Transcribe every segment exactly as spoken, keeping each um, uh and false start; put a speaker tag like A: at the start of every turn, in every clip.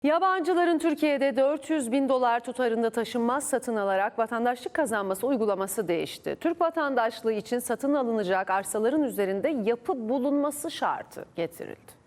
A: Yabancıların Türkiye'de dört yüz bin dolar tutarında taşınmaz satın alarak vatandaşlık kazanması uygulaması değişti. Türk vatandaşlığı için satın alınacak arsaların üzerinde yapı bulunması şartı getirildi.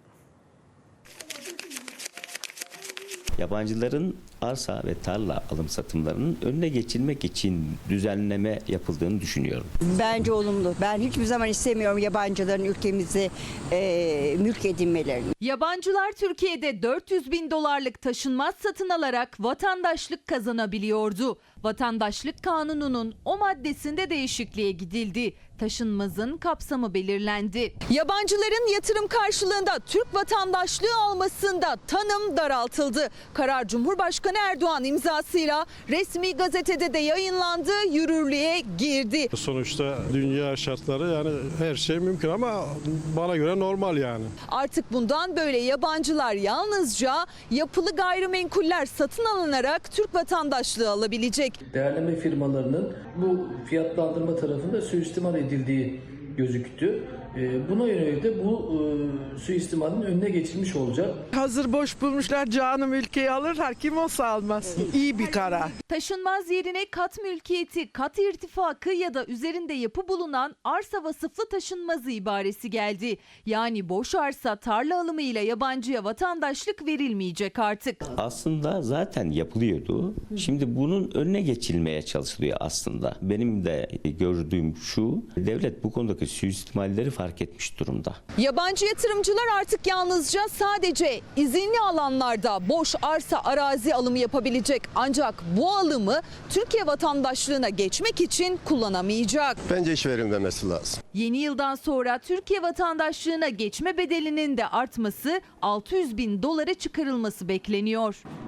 B: Yabancıların arsa ve tarla alım satımlarının önüne geçilmek için düzenleme yapıldığını düşünüyorum.
C: Bence olumlu. Ben hiçbir zaman istemiyorum yabancıların ülkemizi e, mülk edinmelerini.
D: Yabancılar Türkiye'de dört yüz bin dolarlık taşınmaz satın alarak vatandaşlık kazanabiliyordu. Vatandaşlık Kanunu'nun o maddesinde değişikliğe gidildi. Taşınmazın kapsamı belirlendi. Yabancıların yatırım karşılığında Türk vatandaşlığı almasında tanım daraltıldı. Karar Cumhurbaşkanı Erdoğan imzasıyla resmi gazetede de yayınlandı, yürürlüğe girdi.
E: Sonuçta dünya şartları, yani her şey mümkün ama bana göre normal yani.
D: Artık bundan böyle yabancılar yalnızca yapılı gayrimenkuller satın alınarak Türk vatandaşlığı alabilecek.
F: Değerleme firmalarının bu fiyatlandırma tarafında suistimal edildiği gözüktü. Buna yönelik de bu suistimalin önüne geçilmiş olacak.
G: Hazır boş bulmuşlar, canım ülkeyi alırlar, kim olsa almaz. İyi bir karar.
D: Taşınmaz yerine kat mülkiyeti, kat irtifakı ya da üzerinde yapı bulunan arsa vasıflı taşınmazı ibaresi geldi. Yani boş arsa tarla alımıyla yabancıya vatandaşlık verilmeyecek artık.
B: Aslında zaten yapılıyordu. Şimdi bunun önüne geçilmeye çalışılıyor aslında. Benim de gördüğüm şu, devlet bu konudaki suistimalleri fark etmiş durumda.
D: Yabancı yatırımcılar artık yalnızca sadece izinli alanlarda boş arsa arazi alımı yapabilecek. Ancak bu alımı Türkiye vatandaşlığına geçmek için kullanamayacak.
H: Bence iş verilmemesi lazım.
D: Yeni yıldan sonra Türkiye vatandaşlığına geçme bedelinin de artması, altı yüz bin dolara çıkarılması bekleniyor.